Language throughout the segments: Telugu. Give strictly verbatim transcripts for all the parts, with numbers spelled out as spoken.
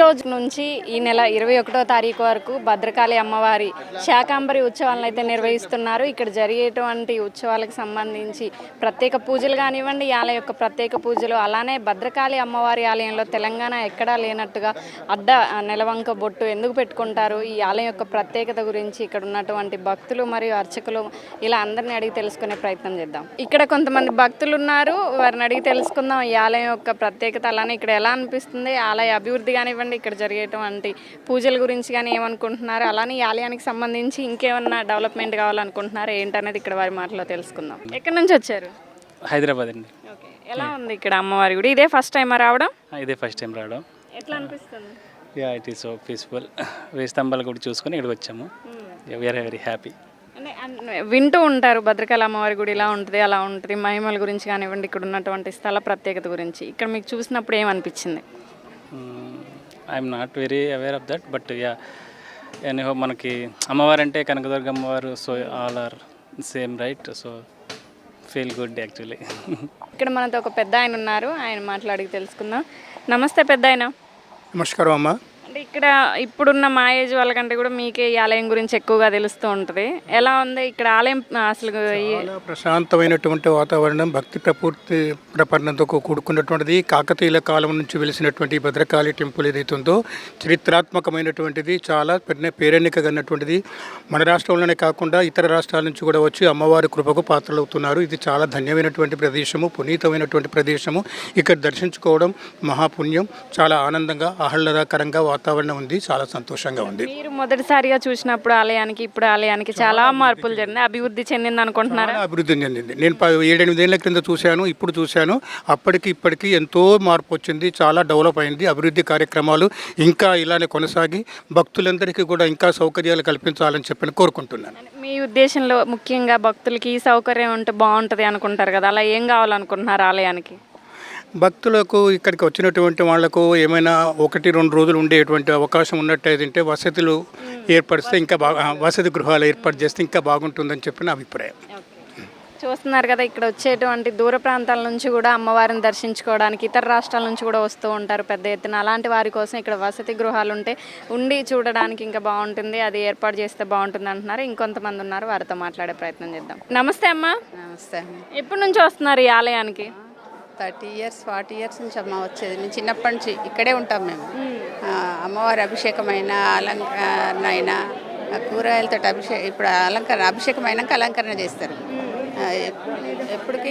రోజు నుంచి ఈ నెల ఇరవై ఒకటో తారీఖు వరకు భద్రకాళి అమ్మవారి శాకాంబరి ఉత్సవాలను అయితే నిర్వహిస్తున్నారు. ఇక్కడ జరిగేటువంటి ఉత్సవాలకు సంబంధించి ప్రత్యేక పూజలు కానివ్వండి, ఈ ఆలయం యొక్క ప్రత్యేక పూజలు, అలానే భద్రకాళి అమ్మవారి ఆలయంలో తెలంగాణ ఎక్కడా లేనట్టుగా అడ్డ నెలవంక బొట్టు ఎందుకు పెట్టుకుంటారు, ఈ ఆలయం యొక్క ప్రత్యేకత గురించి ఇక్కడ ఉన్నటువంటి భక్తులు మరియు అర్చకులు ఇలా అందరిని అడిగి తెలుసుకునే ప్రయత్నం చేద్దాం. ఇక్కడ కొంతమంది భక్తులు ఉన్నారు, వారిని అడిగి తెలుసుకుందాం ఈ ఆలయం యొక్క ప్రత్యేకత, అలానే ఇక్కడ ఎలా అనిపిస్తుంది, ఆలయ అభివృద్ధి కానివ్వండి, ఇక్కడ జరిగేటువంటి పూజల గురించి కానీ ఏమనుకుంటున్నారు, అలానే ఈ ఆలయానికి సంబంధించి ఇంకేమన్నా డెవలప్మెంట్ కావాలనుకుంటున్నారు ఏంటనేది ఇక్కడ వారి మాటలో తెలుసుకుందాం. ఎక్కడి నుంచి వచ్చారు? హైదరాబాద్ అండి. ఓకే, ఎలా ఉంది ఇక్కడ అమ్మవారి గుడి? ఇదే ఫస్ట్ టైం రావడం? ఇదే ఫస్ట్ టైం రావడం. ఎట్లా అనిపిస్తుంది? Yeah, it is so peaceful. వేయి స్తంభాలు కూడా చూసుకొని ఇక్కడికి వచ్చాము. We're very happy. అంటే వింటూ ఉంటారు భద్రకాళి అమ్మవారి గుడి ఇలా ఉంటుంది, అలా ఉంటుంది, మహిమల గురించి కానివ్వండి, ఇక్కడ ఉన్నటువంటి స్థల ప్రత్యేకత గురించి ఇక్కడ మీకు చూసినప్పుడు ఏమనిపించింది? I'm not very aware of that, but yeah anyhow మనకి అమ్మవారు అంటే కనకదుర్గ అమ్మవారు, so all are same right, so feel good actually. ఇక్కడ మనతో ఒక పెద్ద ఆయన ఉన్నారు, ఆయన మాట్లాడి తెలుసుకుందాం. నమస్తే పెద్ద ఆయన. నమస్కారం అమ్మ. అంటే ఇక్కడ ఇప్పుడున్న మా ఏజ్ వాళ్ళకంటే కూడా మీకే ఈ ఆలయం గురించి ఎక్కువగా తెలుస్తూ ఉంటుంది. ఎలా ఉంది ఇక్కడ ఆలయం? అసలు చాలా ప్రశాంతమైనటువంటి వాతావరణం, భక్తి ప్రపూర్తి ప్రపన్నతో కూడుకున్నటువంటిది. కాకతీయుల కాలం నుంచి వెలిసినటువంటి భద్రకాళి టెంపుల్ ఏదైతే ఉందో చరిత్రాత్మకమైనటువంటిది, చాలా పెద్ద పేరెన్నికగన్నటువంటిది. మన రాష్ట్రంలోనే కాకుండా ఇతర రాష్ట్రాల నుంచి కూడా వచ్చి అమ్మవారి కృపకు పాత్రలవుతున్నారు. ఇది చాలా ధన్యమైనటువంటి ప్రదేశము, పునీతమైనటువంటి ప్రదేశము. ఇక్కడ దర్శించుకోవడం మహాపుణ్యం. చాలా ఆనందంగా, ఆహ్లాదకరంగా వాతావరణం ఉంది, చాలా సంతోషంగా ఉంది. మీరు మొదటిసారిగా చూసినప్పుడు ఆలయానికి ఇప్పుడు ఆలయానికి చాలా మార్పులు జరిగింది, అభివృద్ధి చెందింది అనుకుంటున్నారా? అభివృద్ధి చెందింది. నేను ఏడెనిమిదేళ్ల క్రింద చూశాను, ఇప్పుడు చూశాను. అప్పటికి ఇప్పటికీ ఎంతో మార్పు వచ్చింది, చాలా డెవలప్ అయింది. అభివృద్ధి కార్యక్రమాలు ఇంకా ఇలానే కొనసాగి భక్తులందరికీ కూడా ఇంకా సౌకర్యాలు కల్పించాలని చెప్పని కోరుకుంటున్నాను. మీ ఉద్దేశంలో ముఖ్యంగా భక్తులకి ఈ సౌకర్యం ఉంటే బాగుంటుంది అనుకుంటారు కదా, అలా ఏం కావాలనుకుంటున్నారు ఆలయానికి? భక్తులకు ఇక్కడికి వచ్చినటువంటి వాళ్లకు ఏమైనా ఒకటి రెండు రోజులు ఉండేటువంటి అవకాశం ఉన్నట్టయితే వసతులు ఏర్పరిస్తే ఇంకా బాగా, వసతి గృహాలు ఏర్పాటు చేస్తే ఇంకా బాగుంటుందని చెప్పిన అభిప్రాయం. చూస్తున్నారు కదా, ఇక్కడ వచ్చేటువంటి దూర ప్రాంతాల నుంచి కూడా అమ్మవారిని దర్శించుకోవడానికి ఇతర రాష్ట్రాల నుంచి కూడా వస్తూ ఉంటారు పెద్ద ఎత్తున. అలాంటి వారి కోసం ఇక్కడ వసతి గృహాలు ఉంటే ఉండి చూడడానికి ఇంకా బాగుంటుంది, అది ఏర్పాటు చేస్తే బాగుంటుంది అంటున్నారు. ఇంకొంతమంది ఉన్నారు, వారితో మాట్లాడే ప్రయత్నం చేద్దాం. నమస్తే అమ్మ. నమస్తే. ఎప్పటి నుంచి వస్తున్నారు ఈ ఆలయానికి? థర్టీ ఇయర్స్ ఫార్టీ ఇయర్స్ నుంచి అమ్మ వచ్చేది. మేము చిన్నప్పటి నుంచి ఇక్కడే ఉంటాం మేము. అమ్మవారి అభిషేకమైన అలంకరణ అయినా కూరగాయలతో అభిషేకం, ఇప్పుడు అలంకరణ అభిషేకం అయినాక అలంకరణ చేస్తారు. ఎప్పటికీ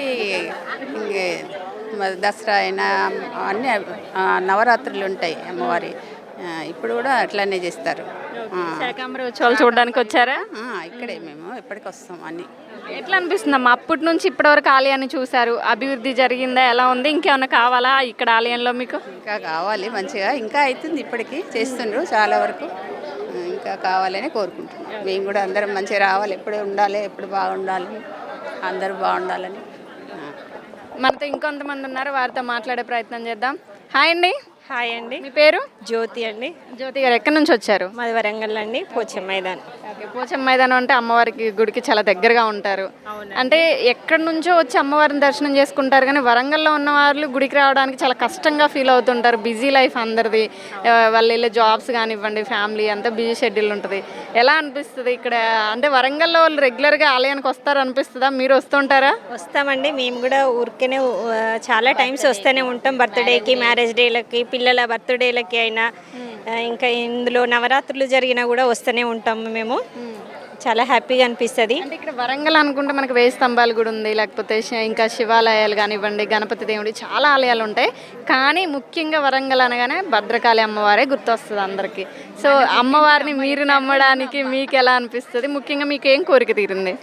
దసరా అయినా అన్నీ నవరాత్రులు ఉంటాయి అమ్మవారి, ఇప్పుడు కూడా అట్లానే చేస్తారు. శాకాంబరి ఉత్సవాలు చూడడానికి వచ్చారా? ఇక్కడే మేము ఎప్పటికి వస్తాం. అన్నీ ఎట్లా అనిపిస్తుంది అమ్మా? అప్పటి నుంచి ఇప్పటి వరకు ఆలయాన్ని చూశారు, అభివృద్ధి జరిగిందా, ఎలా ఉంది, ఇంకేమైనా కావాలా ఇక్కడ ఆలయంలో మీకు? ఇంకా కావాలి, మంచిగా ఇంకా అవుతుంది, ఇప్పటికీ చేస్తుండ్రు చాలా వరకు, ఇంకా కావాలని కోరుకుంటున్నాం. మేము కూడా అందరం మంచిగా రావాలి, ఎప్పుడు ఉండాలి, ఎప్పుడు బాగుండాలి, అందరూ బాగుండాలని. మనతో ఇంకొంతమంది ఉన్నారు, వారితో మాట్లాడే ప్రయత్నం చేద్దాం. హాయ్ అండి. హాయ్ అండి. మీ పేరు? జ్యోతి అండి. జ్యోతి గారు ఎక్కడి నుంచి వచ్చారు? మాది వరంగల్ అండి, పోచమ్మ మైదానం. ఓకే, పోచమ్మ మైదానం అంటే అమ్మవారికి గుడికి చాలా దగ్గరగా ఉంటారు. అంటే ఎక్కడి నుంచో వచ్చి అమ్మవారిని దర్శనం చేసుకుంటారు, కానీ వరంగల్లో ఉన్న వాళ్ళు గుడికి రావడానికి చాలా కష్టంగా ఫీల్ అవుతుంటారు. బిజీ లైఫ్ అందరిది, వాళ్ళు వెళ్ళే జాబ్స్ కానివ్వండి, ఫ్యామిలీ అంతా బిజీ షెడ్యూల్ ఉంటుంది. ఎలా అనిపిస్తుంది ఇక్కడ? అంటే వరంగల్లో వాళ్ళు రెగ్యులర్గా ఆలయానికి వస్తారు అనిపిస్తుందా? మీరు వస్తుంటారా? వస్తామండి, మేము కూడా ఊరికేనే చాలా టైమ్స్ వస్తూనే ఉంటాం. బర్త్డేకి, మ్యారేజ్ డేలకి, పిల్లల బర్త్డేలకి అయినా, ఇంకా ఇందులో నవరాత్రులు జరిగినా కూడా వస్తూనే ఉంటాము మేము. చాలా హ్యాపీగా అనిపిస్తుంది. అంటే ఇక్కడ వరంగల్ అనుకుంటే మనకు వేయి స్తంభాలు కూడా ఉంది, లేకపోతే ఇంకా శివాలయాలు కానివ్వండి, గణపతి దేవుడి చాలా ఆలయాలు ఉంటాయి. కానీ ముఖ్యంగా వరంగల్ అనగానే భద్రకాళి అమ్మవారే గుర్తొస్తుంది అందరికీ. సో అమ్మవారిని మీరు నమ్మడానికి మీకు ఎలా అనిపిస్తుంది? ముఖ్యంగా మీకు ఏం కోరిక తీరింది?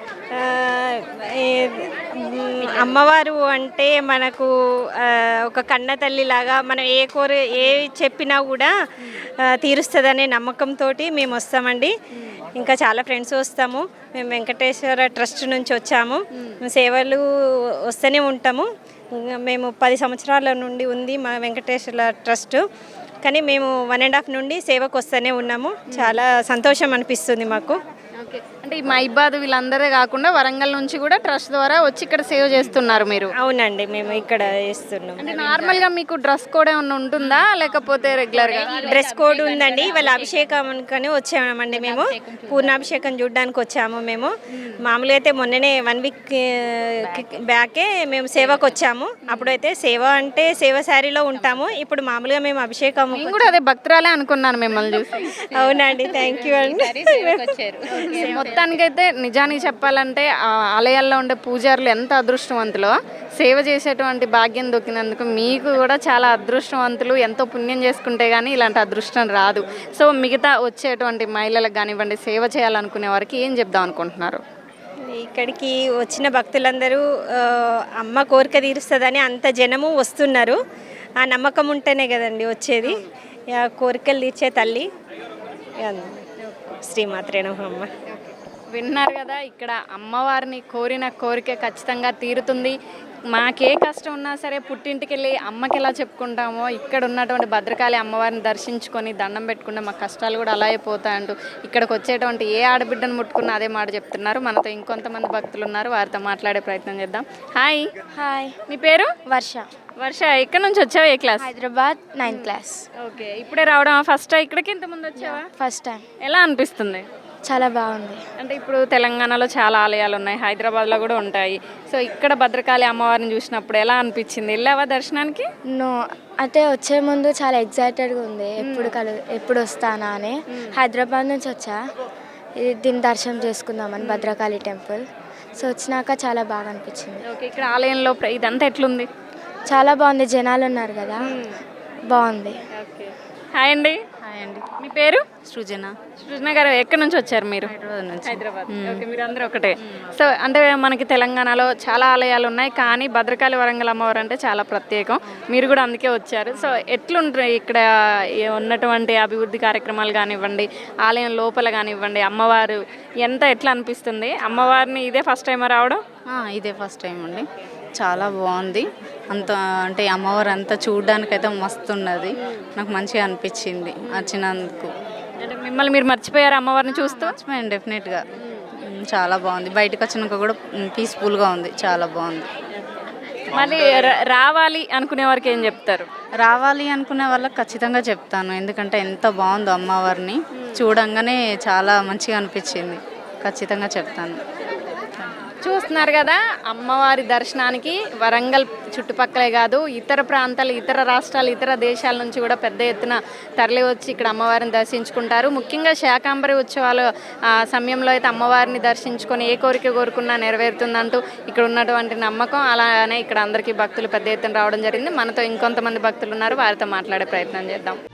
అమ్మవారు అంటే మనకు ఒక కన్న తల్లిలాగా, మనం ఏ కోరి ఏ చెప్పినా కూడా తీరుస్తుందనే నమ్మకంతో మేము వస్తామండి. ఇంకా చాలా ఫ్రెండ్స్ వస్తాము. మేము వెంకటేశ్వర ట్రస్ట్ నుంచి వచ్చాము, సేవలు వస్తూనే ఉంటాము. మేము పది సంవత్సరాల నుండి ఉంది మా వెంకటేశ్వర ట్రస్ట్, కానీ మేము వన్ అండ్ హాఫ్ నుండి సేవకు వస్తూనే ఉన్నాము. చాలా సంతోషం అనిపిస్తుంది మాకు. ఓకే, అంటే ఈ మైబాద్ వీళ్ళందరే కాకుండా వరంగల్ నుంచి కూడా ట్రస్ట్ ద్వారా వచ్చి ఇక్కడ సేవ్ చేస్తున్నారు మీరు. అవునండి, మేము ఇక్కడ ఇస్తున్నాం. అంటే నార్మల్గా మీకు డ్రెస్ కోడ్ ఏమన్నా ఉంటుందా లేకపోతే రెగ్యులర్గా? డ్రెస్ కోడ్ ఉందండి. ఇవాళ అభిషేకంకని వచ్చామండి మేము, పూర్ణాభిషేకం చూడడానికి వచ్చాము మేము. మామూలుగా అయితే మొన్ననే వన్ వీక్ బ్యాకే మేము సేవకు వచ్చాము. అప్పుడైతే సేవ అంటే సేవ శారీలో ఉంటాము. ఇప్పుడు మామూలుగా మేము అభిషేకం. నేను కూడా అదే భక్తురాలే అనుకున్నాను మిమ్మల్ని చూసి. అవునండి, థ్యాంక్ యూ అండి. మొత్తానికైతే నిజానికి చెప్పాలంటే ఆ ఆలయాల్లో ఉండే పూజారులు ఎంత అదృష్టవంతులో, సేవ చేసేటువంటి భాగ్యం దొరికినందుకు మీకు కూడా చాలా అదృష్టవంతులు. ఎంతో పుణ్యం చేసుకుంటే కానీ ఇలాంటి అదృష్టం రాదు. సో మిగతా వచ్చేటువంటి మహిళలకు కానివ్వండి, సేవ చేయాలనుకునే వారికి ఏం చెప్దాం అనుకుంటున్నారు? ఇక్కడికి వచ్చిన భక్తులందరూ ఆ, అమ్మ కోరిక తీరుస్తుందని అంత జనము వస్తున్నారు. ఆ నమ్మకం ఉంటేనే కదండి వచ్చేది. ఆ కోరికలు తీర్చే తల్లి శ్రీమాత్రే నమః. అమ్మ విన్నారు కదా, ఇక్కడ అమ్మవారిని కోరిన కోరిక ఖచ్చితంగా తీరుతుంది. మాకే కష్టం ఉన్నా సరే పుట్టింటికి వెళ్ళి అమ్మకి ఎలా చెప్పుకుంటామో, ఇక్కడ ఉన్నటువంటి భద్రకాళి అమ్మవారిని దర్శించుకొని దండం పెట్టుకుంటే మా కష్టాలు కూడా అలాగే పోతాయంటూ ఇక్కడికి వచ్చేటువంటి ఏ ఆడబిడ్డను ముట్టుకున్నా అదే మాట చెప్తున్నారు. మనతో ఇంకొంతమంది భక్తులు ఉన్నారు, వారితో మాట్లాడే ప్రయత్నం చేద్దాం. హాయ్. హాయ్, మీ పేరు? వర్ష. వర్ష, ఎక్కడి నుంచి వచ్చావు? ఏ class? Hyderabad, ninth class. Okay, ఇప్పుడే రావడం ఫస్ట్ ఇక్కడికి ఇంత ముందు వచ్చావా? First time. ఎలా అనిపిస్తుంది? చాలా బాగుంది. అంటే ఇప్పుడు తెలంగాణలో చాలా ఆలయాలు ఉన్నాయి, హైదరాబాద్లో కూడా ఉంటాయి. సో ఇక్కడ భద్రకాళి అమ్మవారిని చూసినప్పుడు ఎలా అనిపించింది? వెళ్ళావా దర్శనానికి? నో, అంటే వచ్చే ముందు చాలా ఎగ్జైటెడ్గా ఉంది, ఎప్పుడు కలు ఎప్పుడు వస్తానా అని. హైదరాబాద్ నుంచి వచ్చా ఇది దీన్ని దర్శనం చేసుకుందామని, భద్రకాళి టెంపుల్. సో వచ్చినాక చాలా బాగా అనిపించింది. ఓకే, ఇక్కడ ఆలయంలో ప్ర- ఇదంతా ఎట్లుంది? చాలా బాగుంది, జనాలు ఉన్నారు కదా, బాగుంది. ఓకే, హాయ్ అండి. హాయ్ అండి, మీ పేరు? సృజన. సృజన గారు, ఎక్కడి నుంచి వచ్చారు మీరు? హైదరాబాద్ నుంచి. హైదరాబాద్. ఓకే, మీరు అందరూ ఒకటే. సో అంటే మనకి తెలంగాణలో చాలా ఆలయాలు ఉన్నాయి, కానీ భద్రకాళి వరంగల్ అమ్మవారు అంటే చాలా ప్రత్యేకం. మీరు కూడా అందుకే వచ్చారు. సో ఎట్లుంటాయి ఇక్కడ ఈ ఉన్నటువంటి అభివృద్ధి కార్యక్రమాలు కానివ్వండి, ఆలయం లోపల కానివ్వండి, అమ్మవారు ఎంత ఎట్లా అనిపిస్తుంది? అమ్మవారిని ఇదే ఫస్ట్ టైం రావడం? ఆ, ఇదే ఫస్ట్ టైం అండి, చాలా బాగుంది. అంత అంటే అమ్మవారు అంతా చూడడానికైతే మస్తు ఉన్నది. నాకు మంచిగా అనిపించింది వచ్చినందుకు. అంటే మిమ్మల్ని మీరు మర్చిపోయారు అమ్మవారిని చూస్తూ? మర్చిపోయాను డెఫినెట్గా. ఉమ్, చాలా బాగుంది. బయటకు వచ్చినాక కూడా పీస్ఫుల్గా ఉంది, చాలా బాగుంది. మళ్ళీ ర- రావాలి అనుకునే వారికి ఏం చెప్తారు? రావాలి అనుకునే వాళ్ళకి ఖచ్చితంగా చెప్తాను, ఎందుకంటే ఎంత బాగుందో అమ్మవారిని చూడంగానే చాలా మంచిగా అనిపించింది. ఖచ్చితంగా చెప్తాను. చూస్తున్నారు కదా, అమ్మవారి దర్శనానికి వరంగల్ చుట్టుపక్కలే కాదు ఇతర ప్రాంతాలు, ఇతర రాష్ట్రాలు, ఇతర దేశాల నుంచి కూడా పెద్ద ఎత్తున తరలి వచ్చి ఇక్కడ అమ్మవారిని దర్శించుకుంటారు. ముఖ్యంగా శాకాంబరి ఉత్సవాల ఆ, సమయంలో అయితే అమ్మవారిని దర్శించుకొని ఏ కోరిక కోరుకున్నా నెరవేరుతుందంటూ ఇక్కడ ఉన్నటువంటి నమ్మకం. అలానే ఇక్కడ అందరికీ భక్తులు పెద్ద ఎత్తున రావడం జరిగింది. మనతో ఇంకొంతమంది భక్తులు ఉన్నారు, వారితో మాట్లాడే ప్రయత్నం చేద్దాం.